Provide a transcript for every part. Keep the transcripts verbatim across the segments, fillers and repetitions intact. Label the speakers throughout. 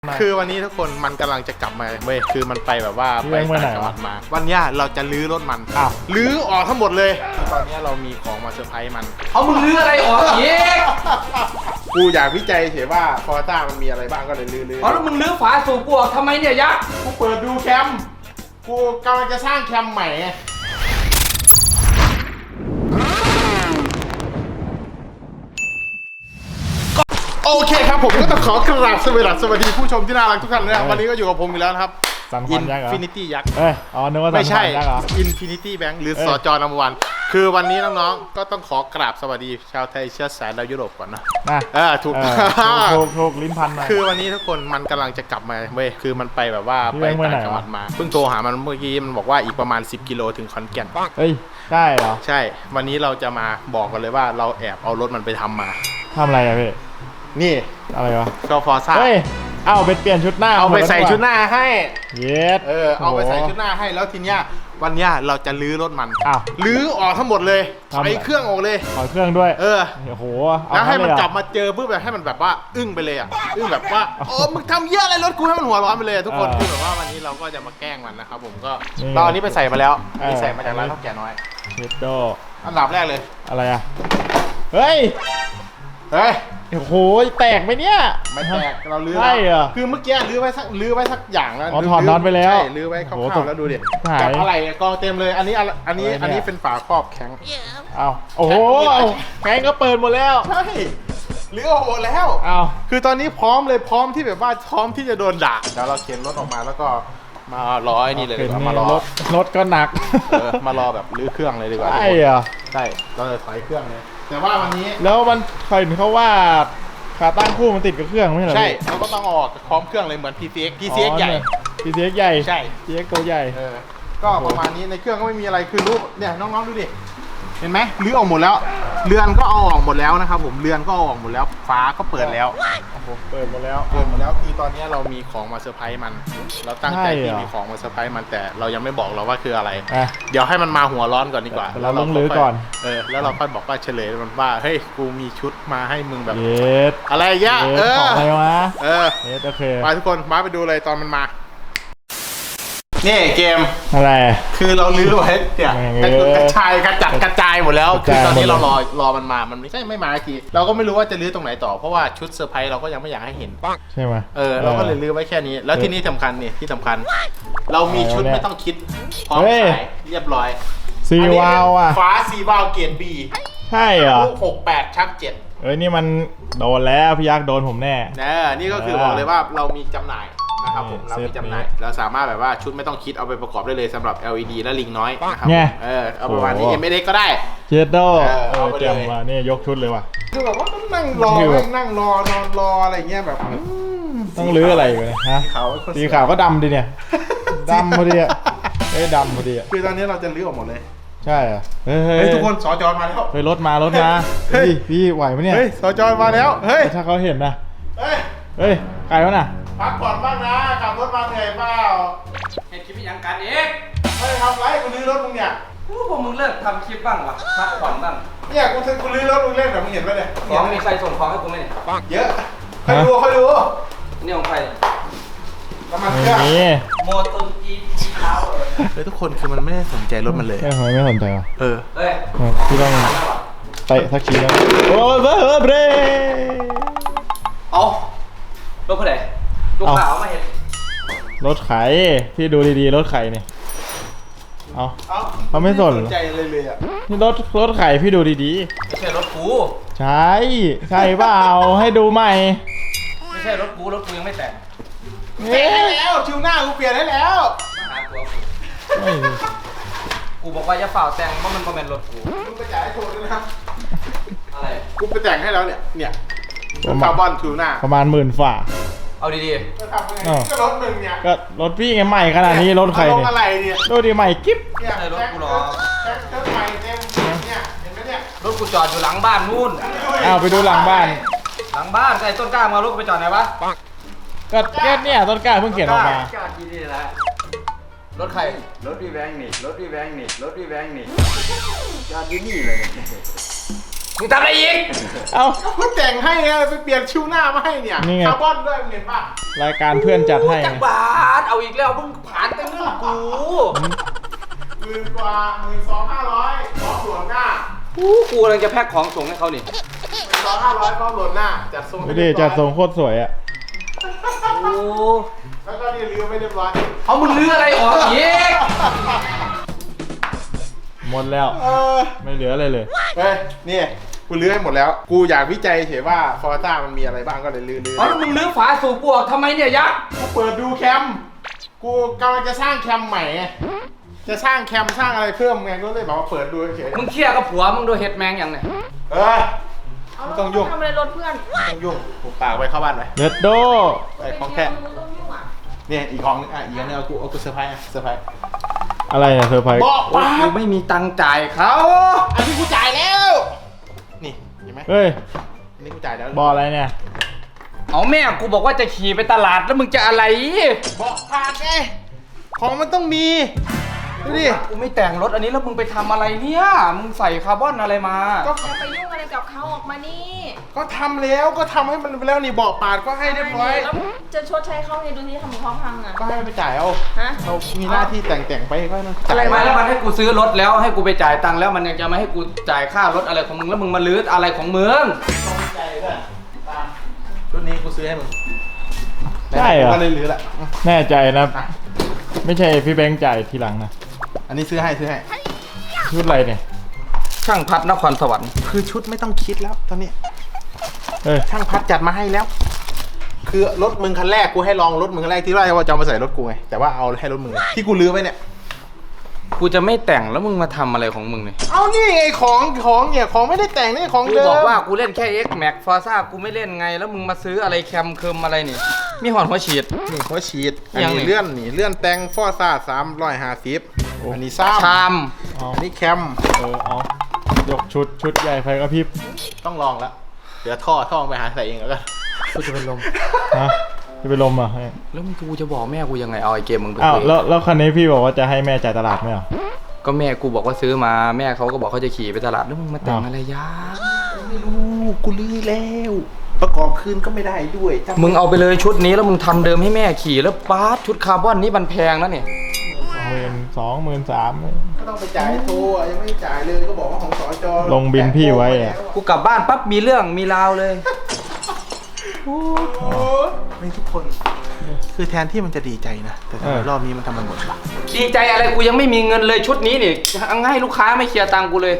Speaker 1: คือวันนี้ทุกคนมันกำลังจะกลับมาเว้ยคือมันไปแบบว่าไปต่างจังหวัดมาวันนี้เราจะลื้อรถมันอ้าวลื้อออกทั้งหมดเลยตอนนี้เรามีของมาเซอร์ไพรส์มัน
Speaker 2: เอามึงลื้ออะไรออกอีก
Speaker 1: กูอยากวิจัยเฉยว่าฟอร์ต้ามันมีอะไรบ้างก็เลยลื้อลื้อ
Speaker 2: อ๋อแล้วมึงลื้อฝาสูบกูออกทำไมเนี่ยยักษ์
Speaker 1: กูเปิดดูแคมกูกำลังจะสร้างแคมใหม่โอเคครับผมก็ต้องขอกราบสวัสดีผู้ชมที่น่ารักทุกท่านนะครับวันนี้ก็อยู่กับผมอีกแล้วครับ
Speaker 3: อิน
Speaker 1: ฟินิตี้ยักษ์
Speaker 3: เอ้ยอ๋อนึกว่า
Speaker 1: ไม่ใช่อินฟินิตี้แบงค์หรือสจนัมวันคือวันนี้น้องๆก็ต้องขอกราบสวัสดีชาวไทยเชื้อสายดาวยุโรปก่อนนะเออถูก
Speaker 3: ถูกถูกลิ้นพันมา
Speaker 1: คือวันนี้ทุกคนมันกำลังจะกลับมาเว้ยคือมันไปแบบว่าไปต่างจังหวัดมาเพิ่งโทรหามันเมื่อกี้มันบอกว่าอีกประมาณสิบกิโลถึงขอนแก่น
Speaker 3: เฮ้ยใช่เหรอ
Speaker 1: ใช่วันนี้เราจะมาบอกกันเลยว่าเราแอบเอารถมันไปทำมา
Speaker 3: ทำอะไรอะพี่
Speaker 1: นี่
Speaker 3: อะไรวะ
Speaker 1: ก็ฟอร์ซ่า
Speaker 3: เฮ้ยเอาไปเปลี่ยนชุดหน้า
Speaker 1: เอาไปใส่ชุดหน้าให้
Speaker 3: เย็ด
Speaker 1: เออเอาไปใส่ชุดหน้าให้แล้วทีเนี้ยวันเนี้ยเราจะลื้อรถมัน
Speaker 3: อ้าว
Speaker 1: ลื้อออกทั้งหมดเลยถอยเครื่องออกเลย
Speaker 3: ถอยเครื่องด้วย
Speaker 1: เออ
Speaker 3: โอ้โห
Speaker 1: แล้วให้มันกลับมาเจอปุ๊บแบบให้มันแบบว่าอึ้งไปเลยอ่ะอึ้งแบบว่าโอ้มึงทำเยอะอะไรรถกูให้มันหัวร้อนไปเลยทุกคนคือแบบว่าวันนี้เราก็จะมาแกล้งมันนะครับผมก็เราอันนี้ไปใส่มาแล้วนี่ใส่มาจากร้านข้าวแก่น้อย
Speaker 3: เฮดโด
Speaker 1: อันดับแรกเลย
Speaker 3: อะไรอ่ะเฮ้ย
Speaker 1: เฮ้ย
Speaker 3: โอ้โหแตกไหมเนี่ย
Speaker 1: ไม่แตกเราลื้อ
Speaker 3: ใช่เหรอ
Speaker 1: คือเมื่อกี้ลื้อไว้สักลื้อไว้สักอย่างแล้ว
Speaker 3: อ๋อถอดน็อตไปแล้ว
Speaker 1: ใช่ลื้อไว้คร่าวๆแล้วดูดิจับอะไรกองเต็มเลยอันนี้อันนี้อันนี้เป็นฝาครอบแข็ง
Speaker 3: เอาโอ้โหแข็งก็เปิดหมดแล้ว
Speaker 1: ใช่ลื้อออกหมดแล้ว
Speaker 3: เอา
Speaker 1: คือตอนนี้พร้อมเลยพร้อมที่แบบว่าพร้อมที่จะโดนด่าเดี๋ยวเราเข็นรถออกมาแล้วก็มารอไอ้นี่เลยดีกว่ามารอ
Speaker 3: รถรถก็หนัก
Speaker 1: มารอแบบลื้อเครื่องเลยดีกว่า
Speaker 3: ใช่เหรอ
Speaker 1: ใช่เราจะถอยเครื่องเลยแต่ว่าวันนี้
Speaker 3: แล้วมันใครเขาว่าขาตั้งคู่มันติดกับเครื่องไม่ใช่เหรอ
Speaker 1: ใช่เราก็ต้องออกพร้อมเครื่องเลยเหมือน พี ซี เอ็กซ์ พี ซี เอ็กซ์ ใหญ่
Speaker 3: พี ซี เอ็กซ์ ใหญ่
Speaker 1: ใช่
Speaker 3: พี ซี เอ็กซ์ ตัวใหญ่
Speaker 1: เออก็ประมาณนี้ในเครื่องก็ไม่มีอะไรคือรู้เนี่ยน้องๆดูดิเห็นไหมรื้อออกหมดแล้วเรือนก็เอาออกหมดแล้วนะครับผมเรือนก็เอาออกหมดแล้วฟ้าก็เปิดแล้ว
Speaker 3: เปิดหมดแล้ว
Speaker 1: เปิดหมดแล้วคือตอนนี้เรามีของมาเซอร์ไพรส์มันเราตั้งใจที่มีของมาเซอร์ไพรส์มันแต่เรายังไม่บอกเราว่าคืออะไรเดี๋ยวให้มันมาหัวร้อนก่อนดีกว่า
Speaker 3: เราต้องรื้อก่อน
Speaker 1: เออแล้วเราค่อยบอกว่าเฉลยมันว่าเฮ้ยกูมีชุดมาให้มึงแบบอะไรเงี้ย
Speaker 3: เอออะไรวะ
Speaker 1: เออ
Speaker 3: โอเค
Speaker 1: มาทุกคนมาไปดูเลยตอนมันมานี่เกม
Speaker 3: อะไร
Speaker 1: คือเราลื้อไว้เนี่ยกระจายกระจัดกระจายหมดแล้วคือตอนนี้เรารอรอมันมามันไม่ใช่ไม่มาทีเราก็ไม่รู้ว่าจะลื้อตรงไหนต่อเพราะว่าชุดเซอร์ไพรส์เราก็ยังไม่อยากให้เห็น
Speaker 3: ใช่ไหม
Speaker 1: เออเราก็เลยลื้อไว้แค่นี้แล้วที่นี่สำคัญนี่ที่สำคัญเรามีชุดไม่ต้องคิดพร้อมขายเรียบร้อย
Speaker 3: ซีวาวอ่ะ
Speaker 1: ฟ้าซีวาวเกียร์บี
Speaker 3: ใช่เหรอ
Speaker 1: ลูกหกแปดชักเจ็ด
Speaker 3: เอ้ยนี่มันโดนแล้วพี่ยักษ์โดนผมแน่
Speaker 1: เนอนี่ก็คือบอกเลยว่าเรามีจำหน่ายนะครับผมเรามีจำหน่ายเราสามารถแบบว่าชุดไม่ต้องคิดเอาไปประกอบได้เลยสำหรับ แอล อี ดี และลิงน้อยนะครับเออเอาประมาณนี้ เอ็ม เอส เอ็กซ์ ก็ได้
Speaker 3: เจดโดเอาไปเลยมานี่ยกชุดเลยว่ะ
Speaker 1: คือแบบว่าต้องนั่งรอนั่งรอนอนรออะไรเงี้ยแบบ
Speaker 3: ต้องลื้ออะไรกันฮะสีขาวก็ดำดิเนี่ยดำพอดีอ่ะเอ้ยดำพอดีอ่ะ
Speaker 1: คือตอนนี้เราจะลื้อออกหมดเลย
Speaker 3: ใช่อ่ะ
Speaker 1: เฮ้ยทุกคนสจมาแล้ว
Speaker 3: เฮ้ยรถมารถมาเฮ้ยพี่ไหวไหมเนี่ย
Speaker 1: เฮ้ยสจมาแล้วเฮ้ย
Speaker 3: ถ้าเขาเห็นนะเฮ้ยเฮ้ยใครวะน่ะ
Speaker 1: พักผ่อนบ้างนะขับรถมาเหนื่อยเปล่า
Speaker 2: เห็นคลิปยังกันเอง
Speaker 1: ไม่ทำไรกูลื้อรถมึงเนี่ย
Speaker 2: กูพวกมึงเลิกทำคลิปบ้างวะพักผ่อนบ้าง
Speaker 1: เนี่ยกูซื้อกูลื้อรถมึงเล่นแบบมึงเห็นไหมเนี่ย
Speaker 2: ของมีใครส่งของให้กูไหม
Speaker 1: เยอะใครดูใครดู
Speaker 2: นี่ของใคร
Speaker 1: น้ำมันเครื่อง
Speaker 2: โมตุนจีจีเท้า
Speaker 1: เฮ้ยทุกคนคือมันไม่ได้สนใจรถมันเลย
Speaker 3: ทำไมไม่สนใจวะ
Speaker 1: เออ
Speaker 2: เฮ้ย
Speaker 3: พี่ต้องเตะทักทีแล้วโอ้ยเบอร์เบร
Speaker 2: เอารถผู้ใดรถขาวมาเห็น
Speaker 3: รถไข่พี่ดูดีๆรถไข่เนี่ยเอาเขาไม่สน
Speaker 1: ใจเลยเลยอ่ะ
Speaker 3: นี่รถรถไข่พี่ดูดี
Speaker 2: ๆไม่ใช่รถกู
Speaker 3: ใช่ใช่เปล่าให้ดูใหม่
Speaker 2: ไม่ใช่รถกูรถกูยังไม่แต่ง
Speaker 1: แต่งให้แล้วชิวหน้ากูเปลี่ยนให้แล้ว
Speaker 2: มาหาตัวกูกูบอกว่าจะฝ่าแต่งเพราะมันเป็นรถกู
Speaker 1: มึงไปจ่ายให้โทรด้วยนะ
Speaker 2: อะไร
Speaker 1: กูไปแต่งให้แล้วเนี่ยเนี่ยคาร์บอนชิวหน้า
Speaker 3: ประมาณหมื่นฝ่า
Speaker 2: เอาดี
Speaker 1: ๆก็ทำไงก็รถมึงเนี่ย
Speaker 3: ก็รถพี่ไงใหม่ขนาดนี้รถใครเนี่ย
Speaker 1: อะไรเนี่ย
Speaker 3: รถดีใหม่กิ๊บ
Speaker 1: เนี่ยรถกูหรอรถใหม่เต็มเนี่ยเห็นไหมเนี่ย
Speaker 2: รถกูจอดอยู่หลังบ้านนู่น
Speaker 3: เอาไปดูหลังบ้าน
Speaker 2: หลังบ้านไอ้ต้นกล้ามารถกูไปจอดไหนวะ
Speaker 3: ก็แค่เนี่ยต้นกล้าเพิ่งเขียนออกมา
Speaker 2: รถใคร
Speaker 4: รถพี่แบงค์นี่รถพี่แบงค์นี่รถพี่แบงค์นี่จอดที่นี่เลย
Speaker 2: มึงทำอะไรอีก
Speaker 3: เอ้า
Speaker 1: ก็แต่งให้ไงไปเปลี่ยนชิวหน้ามาให้เนี่ย
Speaker 3: นี่ไง
Speaker 1: คาร์บอนด้วยมึงเห็นป่ะ
Speaker 3: รายการเพื่อนจัดให้
Speaker 2: จัก
Speaker 3: ไง
Speaker 2: บาทเอาอีกแล้วมึงผ่านไปเรื่องกู
Speaker 1: หมื่นกว่าหมื่นสองห้าร้อยพร้อมโหลดหน้า
Speaker 2: กูกูกำลังจะแพ็คของส่งให้เขานี่
Speaker 1: หมื่นสองห้าร้อยพร้อมโหลดหน้าจัดทรง
Speaker 3: ดูดิจัดทรงโคตรสวยอ่ะ
Speaker 2: โอ้
Speaker 1: แล้วก็นี่ลืมไม่เรียบร้อย
Speaker 2: เอามึงลื้ออะไรออกอีก
Speaker 3: หมดแล้ว
Speaker 1: เออ
Speaker 3: ไม่เหลืออะไรเลย
Speaker 1: เฮ้ยนี่กูลื้อให้หมดแล้ว กูอยากวิจัยเฉยว่าฟอร์ต้ามันมีอะไรบ้างก็เลยลื้อลื้อ
Speaker 2: เอาแล้วมึงลื้อฝาสูบกูออกทำไมเนี่ยยักษ์
Speaker 1: กูเปิดดูแคม กูกำลังจะสร้างแคมใหม่ไงจะสร้างแคมสร้างอะไรเพิ่มไงก็เลยบอกว่าเปิดดูเฉย
Speaker 2: มึงเคลียร์กับผัวมึงโดยเฮ็ดแมงอย่างเนี่ย
Speaker 1: เออ
Speaker 4: เอา
Speaker 1: ไม่ต้องยุ่ง
Speaker 4: ทำอะไรรถเพื่อน
Speaker 1: ไม่ต้องยุ่งกูปากไปเข้าบ้านไป
Speaker 3: เด็ดโด
Speaker 1: ไอ้ของแค่
Speaker 4: มึงต้องยุ่งอ่ะ
Speaker 1: เนี่ยอีกของนึงอ่ะอีกอันนึงเอากูเอากูเซอร์ไพรส์อ่ะเซอร์ไพรส์
Speaker 3: อะไรเนี่ยเซอร์ไพรส์
Speaker 1: บอก
Speaker 2: โอ้
Speaker 1: ปา
Speaker 2: กู
Speaker 1: ก
Speaker 2: ไม่มีตังค์จ่ายเขา
Speaker 1: อันนี้กูจ่ายแล้ว นี่เห็นไหม
Speaker 3: เฮ้ย
Speaker 1: อันนี้กูจ่ายแล้ว
Speaker 3: บออะไรเนี่ย
Speaker 2: เอาแม่กูบอกว่าจะขี่ไปตลาดแล้วมึงจะอะไร
Speaker 1: บอกปากไงของมันต้องมีดูดิ
Speaker 2: กูไม่แต่งรถอันนี้แล้วมึงไปทำอะไรเนี่ยมึงใส่คาร์บอนอะไรมา
Speaker 1: ก็
Speaker 4: อย่าไปยุ่งอะไรกับเขาออกมานี่
Speaker 1: ก็ทำแล้วก็ทำให้มันไปแล้วนี่บอกปาดก็ให้เรียบร้อย
Speaker 4: แล้วจะชดใช้เขาให้ดูที่ทำของเขาพังอ่ะ
Speaker 1: ก็ให้ไปจ่ายเอา
Speaker 4: ฮะ
Speaker 1: เรามีหน้าที่แต่งแต่งๆไปก็ต้อง
Speaker 2: อะ
Speaker 1: จ่า
Speaker 2: ไร
Speaker 1: ย
Speaker 2: มาแล้วมันให้กูซื้อรถแล้วให้กูไปจ่ายตังค์แล้วมันยังจะมาให้กูจ่ายค่ารถอะไรของมึงแล้วมึงมาลื้ออะไรของมึง
Speaker 1: ต้องจ่ายด้วยตามชุดนี้กูซื้อให้มึง
Speaker 3: ใช่เหรอ
Speaker 1: ก็เลยเหลือแหละ
Speaker 3: แน่ใจนะ
Speaker 1: อ่ะ
Speaker 3: ไม่ใช่พี่แบงค์จ่ายทีหลังนะ
Speaker 1: อันนี้ซื้อให้ซื้อให้
Speaker 3: ชุดอะไรเนี่ย
Speaker 2: ช่างพัดนครสวรรค์
Speaker 1: คือชุดไม่ต้องคิดแล้วตอนนี้
Speaker 3: เอ้ย
Speaker 1: ช่างพัดจัดมาให้แล้ว คือรถมึงคันแรกกูให้ลองรถมึงคันแรกที่ว่าจะเอามาใส่รถกูไงแต่ว่าเอาให้รถมึงที่กูลื้อไว้เนี่ย
Speaker 2: กูจะไม่แต่งแล้วมึงมาทำอะไรของมึงเนี่ย
Speaker 1: เอานี่ไงของของเนี่ยของไม่ได้แต่งนี่ของ
Speaker 2: กู
Speaker 1: เดิม
Speaker 2: บอกว่ากูเล่นแค่ X Max Forza กูไม่เล่นไงแล้วมึงมาซื้ออะไรแคมเคิมอะไรนี่มีหอนหัวฉีด
Speaker 1: นี่เขาฉีดอัน
Speaker 2: ยังไง
Speaker 1: นี้เลื่อนนี่เลื่อนแต่งฟอร์ซ่าสามร้อยห้าสิบอันนี้ซ้ำ
Speaker 2: ชาม
Speaker 3: เอา
Speaker 1: อันนี้แคม
Speaker 3: เออเอายกชุดชุดใหญ่ไฟกระพริบ
Speaker 1: ต้องลองแล้วเดี๋ยวท่อท่อไปหาใส่เองแล้วกัน
Speaker 2: กูจะเป็นลม
Speaker 3: ฮะจะไปลมอ่ะให้
Speaker 2: แล้วมึงกูจะบอกแม่กูยังไงเอาไอเกมมึงไป
Speaker 3: อ้าว
Speaker 2: คุย
Speaker 3: แล้วแล้วคันนี้พี่บอกว่าจะให้แม่จ่ายตลาดไหมเหรอ
Speaker 2: ก็แม่กูบอกว่าซื้อมาแม่เขาก็บอกเขาจะขี่ไปตลาดแล้วมึงมาแต่ง
Speaker 3: อ้าว
Speaker 2: อะไรยะ
Speaker 1: ไม่รู้กูลื้อแล้วประกอบคืนก็ไม่ได้ด้วยจำ
Speaker 2: มึงเอาไปเลยชุดนี้แล้วมึงทำเดิมให้แม่ขี่แล้วป๊าดชุดคาร์บอนนี่มันแพงนะเนี่ย
Speaker 3: หมื่นสองหมื่นสาม
Speaker 1: ก็ต้องไปจ่ายให้โทรอ่ะยังไม่ได้จ่ายเลยก็บอกว่าของสจ
Speaker 3: ลงบินพี่ไว้อ่ะ
Speaker 2: กูกลับบ้านปั๊บมีเรื่องมีราวเลย
Speaker 1: โอ้ไม่ทุกคน คือแทนที่มันจะดีใจนะแต่ทำไมรอบนี้มันทำมันหมดละ
Speaker 2: ดีใจอะไรกูยังไม่มีเงินเลยชุดนี้นี่ให้ลูกค้าไม่เคลียร์ตังค์กูเลย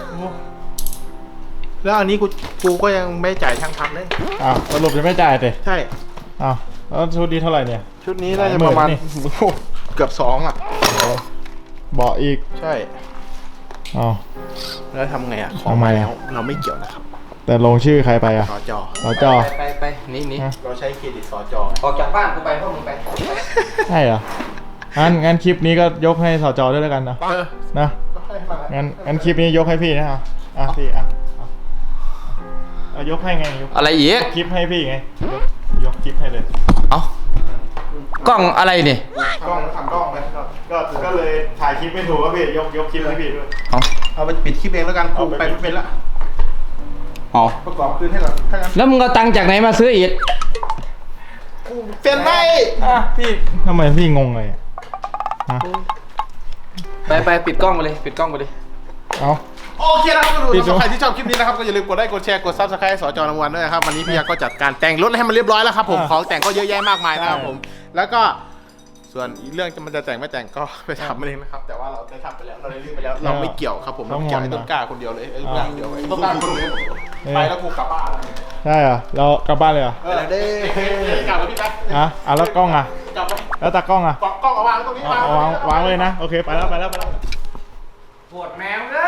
Speaker 1: แล้วอันนี้กูกูก็ยังไม่จ่ายช่างทำเลย
Speaker 3: อ้าวสรุปจะไม่จ่ายเลย
Speaker 1: ใช่
Speaker 3: อ้าวแล้วชุดนี้เท่าไหร่เนี่ย
Speaker 1: ชุดนี้น่าจะประมาณ
Speaker 3: หลายหมื่นนี่
Speaker 1: โอ้โหเกือบสองอ่ะ
Speaker 3: เบาะอีก
Speaker 1: ใช่
Speaker 3: อ้าว
Speaker 1: แล้วทำไงอ่ะของ
Speaker 3: ทำไม
Speaker 1: มา
Speaker 3: อ่ะ
Speaker 1: แล้วเราไม่เกี่ยวนะครับ
Speaker 3: แต่ลงชื่อใครไปอ่ะ
Speaker 1: สจ
Speaker 3: สจ
Speaker 2: ไปไปไปนี่นี่
Speaker 3: ฮะ
Speaker 1: เราใช้เครดิตสจ
Speaker 2: ออกจากบ้านกูไปพวกมึงไป
Speaker 3: ใช่เหรองั้นงั้นคลิปนี้ก็ยกให้สจด้วยแล้วกันนะ
Speaker 1: เออ
Speaker 3: นะ
Speaker 1: ก็ให้มา
Speaker 3: งั้นงั้นคลิปนี้ยกให้พี่นะเอาอ่ะพี่อ่ะเอาเอายกให้ไงยก
Speaker 2: อะไรอีก
Speaker 3: คลิปให้พี่ไงยกยกคลิปให้เลย
Speaker 2: เอ้ากล้องอะไรนี่
Speaker 1: กล้องทำกล้องไป
Speaker 3: ก็ก็เลยถ่ายคลิปไม่ถูกก็พี่ยกยกคลิปให้พี่ด้วย
Speaker 2: เอา
Speaker 1: เอาไปปิดคลิปเองแล้วกันกูไปไม่เป็นละ
Speaker 2: เอา
Speaker 1: ประกอบคืนให้หรอถ้างั้น
Speaker 2: แล้วมึงเอาตังค์จากไหนมาซื้ออีก
Speaker 1: กูเซ็นไม่
Speaker 3: อ่ะพี่ทำไมพี่งงเลยอ่ะฮะ
Speaker 2: ไปไปปิดกล้องไปเลยปิดกล้องไปเลย
Speaker 3: เอา
Speaker 1: โอเคนะครับทุก
Speaker 3: ปิด
Speaker 1: ค
Speaker 3: ดู
Speaker 1: นใครที่ชอบคลิปนี้นะครับก็อย่าลืมกดไลค์กดแชร์กดซับสไครต์สจรางวัลด้วยนะครับวันนี้พี่ยักษ์ก็จัดการแต่งรถให้มันเรียบร้อยแล้วครับผมของแต่งก็เยอะแยะมากมายนะครับผมแล้วก็ส่วนอีกเรื่องจะมันจะแต่งไม่แต่งก็ไปทำเองนะครับแต่ว่าเราได้ทำไปแล้วเราได้เรื่องไปแล้วเราไม่เกี่ยวครับผมเราเกี่ยวไอ้ต้นกล้าคนเดียวเลยไอ้ต้นกล้าคนเดียวไอ้ต้นกล้าคนเดียวไปแล้วกูกลับบ้าน
Speaker 3: ใช่เหรอเรากลับบ้านเลยเหรอ
Speaker 1: เออเด้กลับกับพี่ไป
Speaker 3: อ่ะอ่ะแล้วกล้องอ่ะ
Speaker 1: กลับไป
Speaker 3: แล้วตากล้องอ่ะ
Speaker 1: กล้องเอาวางตรงนี้
Speaker 3: เอาเอาวางวางเลยนะโอเคไปแล้วไปแล้วไปแล้ว
Speaker 2: ปวดแมวเลย